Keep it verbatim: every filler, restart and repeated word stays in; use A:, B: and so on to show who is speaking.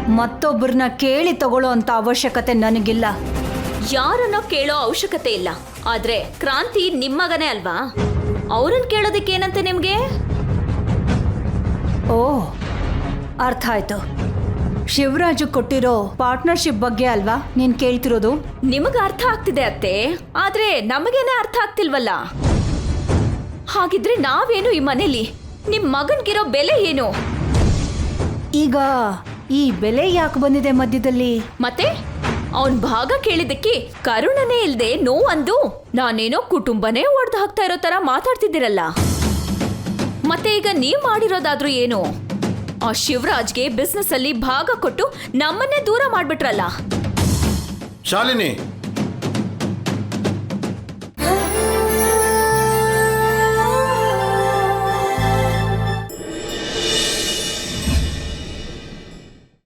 A: ಮತ್ತೊಬ್ಬರನ್ನ ಕೇಳಿ ತಗೊಳ್ಳೋ ಅಂತ ಅವಶ್ಯಕತೆ ನನಗಿಲ್ಲ.
B: ಯಾರನ್ನೋ ಕೇಳೋ ಅವಶ್ಯಕತೆ ಇಲ್ಲ. ಆದ್ರೆ ಕ್ರಾಂತಿ ನಿಮ್ಮಗನೇ ಅಲ್ವಾ, ಅವ್ರನ್ನ ಕೇಳೋದಕ್ಕೆ ಏನಂತೆ ನಿಮ್ಗೆ?
A: ಓ, ಅರ್ಥ ಆಯ್ತು. ಶಿವರಾಜು ಕೊಟ್ಟಿರೋ ಪಾರ್ಟ್ನರ್ಶಿಪ್ ಬಗ್ಗೆ ಅಲ್ವಾ ನೀನ್ ಕೇಳ್ತಿರೋದು?
B: ನಿಮಗ ಅರ್ಥ ಆಗ್ತಿದೆ ಅತ್ತೆ, ಆದ್ರೆ ನಮಗೇನೆ ಅರ್ಥ ಆಗ್ತಿಲ್ವಲ್ಲ. ಹಾಗಿದ್ರೆ ನಾವೇನು ಈ ಮನೇಲಿ? ನಿಮ್ ಮಗನ್ಗಿರೋ ಬೆಲೆ ಏನು?
A: ಈಗ ಈ ಬೆಲೆ ಯಾಕೆ ಬಂದಿದೆ ಮಧ್ಯದಲ್ಲಿ?
B: ಮತ್ತೆ ಅವನ್ ಭಾಗ ಕೇಳಿದ್ದಕ್ಕೆ ಕರುಣನೇ ಇಲ್ದೆ ನೋವಂದು ನಾನೇನೋ ಕುಟುಂಬನೇ ಒಡ್ದು ಹಾಕ್ತಾ ಇರೋ ತರ ಮಾತಾಡ್ತಿದ್ದೀರಲ್ಲ. ಮತ್ತೆ ಈಗ ನೀವ್ ಮಾಡಿರೋದಾದ್ರೂ ಏನು? ಆ ಶಿವರಾಜ್ಗೆ ಬಿಸ್ನೆಸ್ ಅಲ್ಲಿ ಭಾಗ ಕೊಟ್ಟು ನಮ್ಮನ್ನೇ ದೂರ ಮಾಡ್ಬಿಟ್ರಲ್ಲ.
C: ಶಾಲಿನಿ,